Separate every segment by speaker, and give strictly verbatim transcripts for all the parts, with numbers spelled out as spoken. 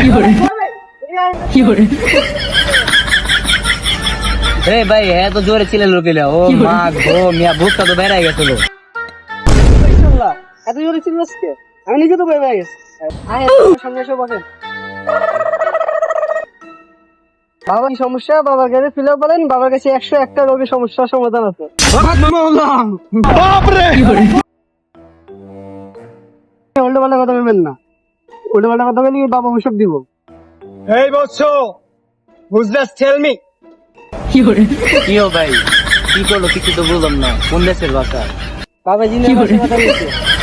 Speaker 1: ভাই হ্যাঁ তো জোরে ছিল লোকেরা ও মা গো মিয়া বুকটা তো বেড়ে গেছিল।
Speaker 2: এত জোরে ছিল আজকে আমি নিজে তো বেড়ে গেছি। সামনে এসে বসেন। বাবা কি সমস্যা? বাবার কাছে ফিলে বলেন, বাবার কাছে একশো একটা রোগের সমস্যার সমাধান আছে। উল্টো পাল্টা কথা বলবেন না, উল্টো পাল্টা কথা বলি বাবা ওষুধ দিব।
Speaker 3: এই বৎস বুঝলাস টেল মি
Speaker 1: কি ও ভাই কি করলো কিছু তো বুঝলাম না, কোন দেশের ভাষা?
Speaker 2: বাবা জিনের ভাষায় কথা বলছে।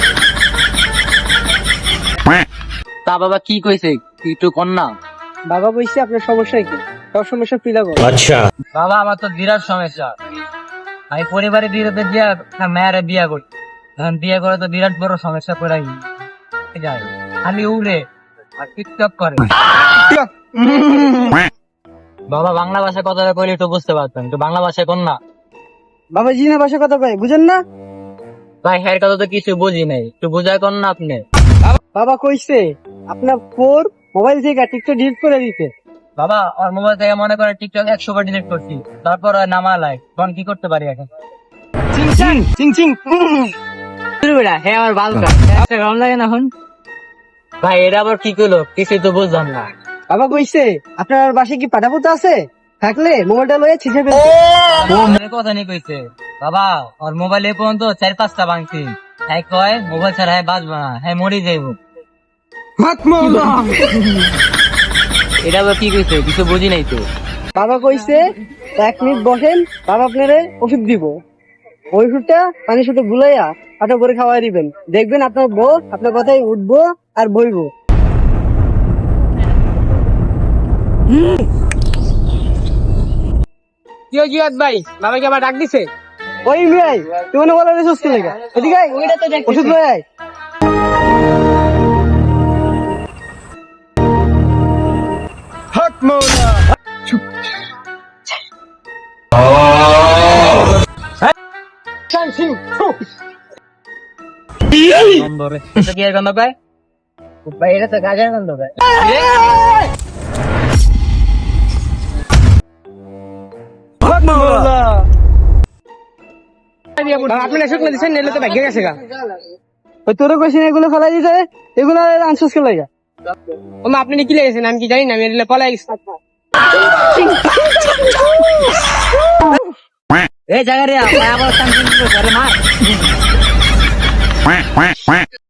Speaker 1: তা বাবা কি কইছে একটু কর না।
Speaker 2: বাবা বলছে আপনার সমস্যা কি, সব সমস্যা ফিলা করো।
Speaker 4: আচ্ছা
Speaker 1: বাবা আমার তো বিরাট সমস্যা, আমি পরিবারে বিরোধে দিয়া মেয়েরে বিয়া করি, এখন বিয়ে করে তো বিরাট বড় সমস্যা পড়াই যায়, খালি উড়ে আর টিকটক করে। বাবা বাংলা ভাষায় কথা কইলে একটু বুঝতে পারতাম, একটু বাংলা ভাষায় কর না।
Speaker 2: বাবা জিনের ভাষায় কথা কয় বুঝেন না?
Speaker 1: ভাই হ্যার কথা তো কিছু বুঝি নাই, একটু বুঝায় কর না আপনি।
Speaker 2: বাবা কইছে আপনার ফোর মোবাইল থেকে টিকটক ডিলিট করে দিতে।
Speaker 1: বাবা আর মোবাইল থেকে মনে করে টিকটক একশো বার ডিলিট করছি, তারপর আর নামা লাই, তখন কি করতে পারি এখন?
Speaker 2: চিং চিং চিং চিং
Speaker 1: হ্যাঁ আমার বালকা গরম লাগে না এখন। ভাই এটা আবার কি করলো কিছুই তো বুঝলাম না।
Speaker 2: বাবা কইছে আপনার বাসায় কি পাটাপোতা আছে, থাকলে মোবাইলটা লয়ে ছিঁচে ফেলতে।
Speaker 1: ও মেয়ে কথা নেই কইছে বাবা ওর মোবাইল এ পর্যন্ত চার পাঁচটা ভাঙছি, হ্যাঁ কয় মোবাইল ছাড়া হ্যাঁ বাঁচবা না, হ্যাঁ মরি যাইব। এটা আবার কি কইছে কিছু বুঝি নাই তো।
Speaker 2: বাবা কইছে এক মিনিট বসেন, বাবা আপনারে ওষুধ দিব, ওই ওষুধটা পানি শুধু গুলাইয়া পাটা করে খাওয়াই দিবেন, দেখবেন আপনার বউ আপনার কথাই উঠবো আর বইবো।
Speaker 3: কি জিয়াদ ভাই বাবাকে আবার ডাক দিছে?
Speaker 2: ওই মিয়াই তুই মনে বলা সুস্থ লেগা এদিকে আয়, ওষুধ লয়ে আয়।
Speaker 3: হক মৌলা
Speaker 1: নম্বরে এটা কি এর গন্ধ পায়? ভাই এটা তো গাজার গন্ধ পায়।
Speaker 3: হক মৌলা আপনি এসে করে দিচ্ছেন নেলে তো ভাগ্য গেছে গা।
Speaker 2: ওই তোরে কইছে এগুলো ফেলাই দিতে, এগুলো আনসাস কে লাগা।
Speaker 3: ও মা আপনি কি লেগেছেন আমি কি জানি না, আমি এলে পলাই গেছি।
Speaker 1: এই জায়গা রে আবার মার